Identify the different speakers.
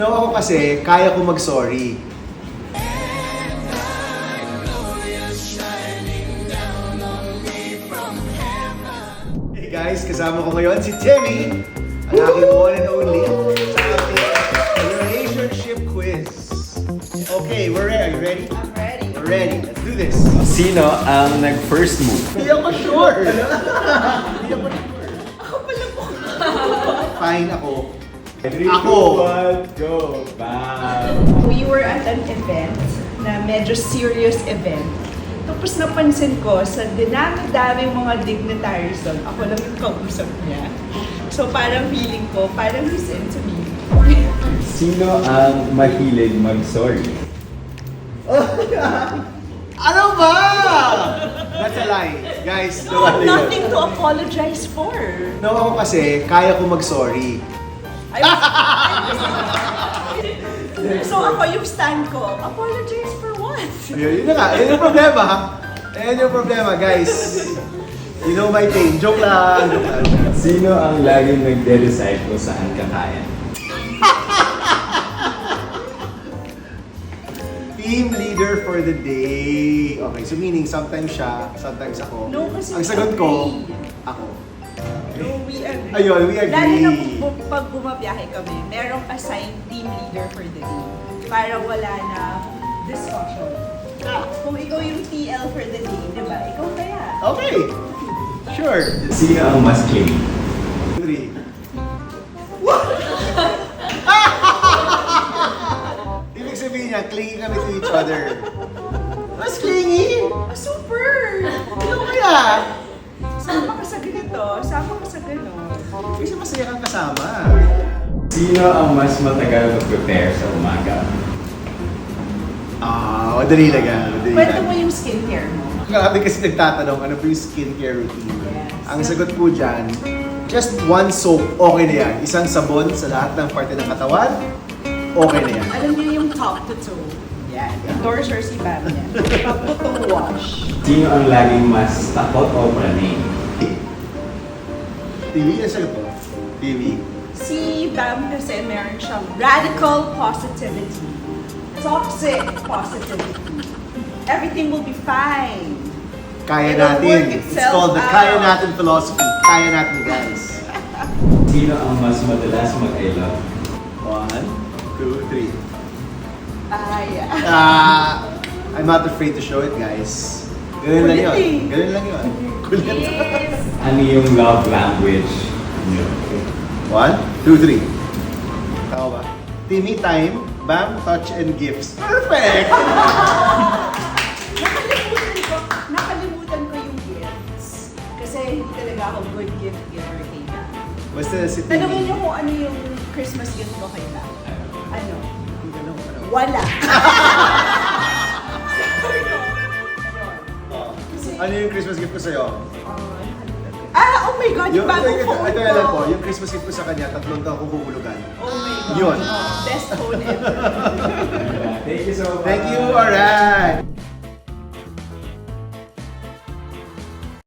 Speaker 1: No, ako kasi, kaya ko mag-sorry. Hey guys, kasama ko ngayon si Timmy, ang aking one and only, sa ating relationship quiz. Okay, we're ready. Are you ready?
Speaker 2: I'm ready.
Speaker 1: We're ready. Let's do this.
Speaker 3: Sino ang nag-first move?
Speaker 1: Hindi ako sure. Hindi ako sure.
Speaker 2: Ako pala po.
Speaker 1: Fine ako.
Speaker 3: 3,
Speaker 1: Ako.
Speaker 3: 2, 1, go! Bam!
Speaker 2: We were at an event na medyo serious event. Tapos napansin ko sa dinami-daming mga dignitaries doon, ako lang yung kausap niya. So parang feeling ko, parang he's into me.
Speaker 3: Sino ang mahilig mag-sorry?
Speaker 1: Ano ba? That's a lie. Guys,
Speaker 2: No, nothing to apologize for.
Speaker 1: no, ako kasi, kaya ko mag-sorry.
Speaker 2: So ako yung stand ko, apologize for what?
Speaker 1: Yun na nga, yun yung problema. Ayan yung problema, guys. You know my pain. Joke lang. Joke lang.
Speaker 3: Sino ang laging nagde-decide kung saan kakain?
Speaker 1: Team leader for the day. Okay, so meaning sometimes siya, sometimes ako.
Speaker 2: No, kasi
Speaker 1: Ang sagot ko,
Speaker 2: agree.
Speaker 1: ako.
Speaker 2: No, we agree.
Speaker 1: Ayun, we agree.
Speaker 2: Lalo na pag bumabiyahe kami, merong assigned team leader for the day. Para wala na discussion. Kung ikaw yung TL for the day, di ba? Ikaw kaya.
Speaker 1: Okay. Sure.
Speaker 3: Sino ang mas clingy?
Speaker 1: 3. Ibig sabihin niya, clingy kami to each other. Mas clingy?
Speaker 2: Ah, super!
Speaker 1: Ano kaya?
Speaker 2: Sama ka sa ganito, sama ka sa ganon.
Speaker 1: Kasi masaya kang kasama.
Speaker 3: Sino ang mas matagal mag-prepare sa umaga?
Speaker 1: Madali lang yan. Madali
Speaker 2: Kwento
Speaker 1: lang.
Speaker 2: mo yung skincare mo.
Speaker 1: Grabe kasi nagtatanong, ano po yung skincare routine?
Speaker 2: Yes.
Speaker 1: Ang sagot po dyan, just one soap, okay na yan. Isang sabon sa lahat ng parte ng katawan, okay na yan.
Speaker 2: Alam niyo yung top to toe. Yan. Endorser si Bam yan. Top to toe wash.
Speaker 3: Sino ang laging mas takot o praning?
Speaker 1: TV, yung sagot po. TV.
Speaker 2: Si Bam kasi meron siyang radical positivity. Toxic positivity. Everything will be fine.
Speaker 1: Kaya
Speaker 2: It'll work
Speaker 1: natin. It's
Speaker 2: itself
Speaker 1: called the
Speaker 2: out.
Speaker 1: Kaya Natin philosophy. Kaya natin, guys.
Speaker 3: Sino ang mas madalas mag-I love?
Speaker 1: 1, 2, 3.
Speaker 2: Yeah.
Speaker 1: I'm not afraid to show it, guys. Ganun lang yun.
Speaker 2: Kulit eh.
Speaker 1: Ganun lang yun. Kulit.
Speaker 2: Yes.
Speaker 3: Ano yung love language niyo?
Speaker 1: 1, 2, 3. Tama ba? Timmy time, bam, touch, and gifts. Perfect!
Speaker 2: Nakalimutan ko yung gifts. Kasi hindi talaga ako good gift giver kay Bam.
Speaker 1: Basta si Timmy.
Speaker 2: Tanungin niyo kung ano yung Christmas gift ko kay Bam. Ano? Wala.
Speaker 1: Ano yung Christmas gift ko sa'yo?
Speaker 2: Oh my God, yung bagong phone
Speaker 1: Ito
Speaker 2: ko.
Speaker 1: alam ko, yung Christmas gift ko sa kanya, 3 taon kong huhulugan.
Speaker 2: Oh my God.
Speaker 1: Yun.
Speaker 2: Best phone ever.
Speaker 3: Thank you so much.
Speaker 1: Thank you, alright!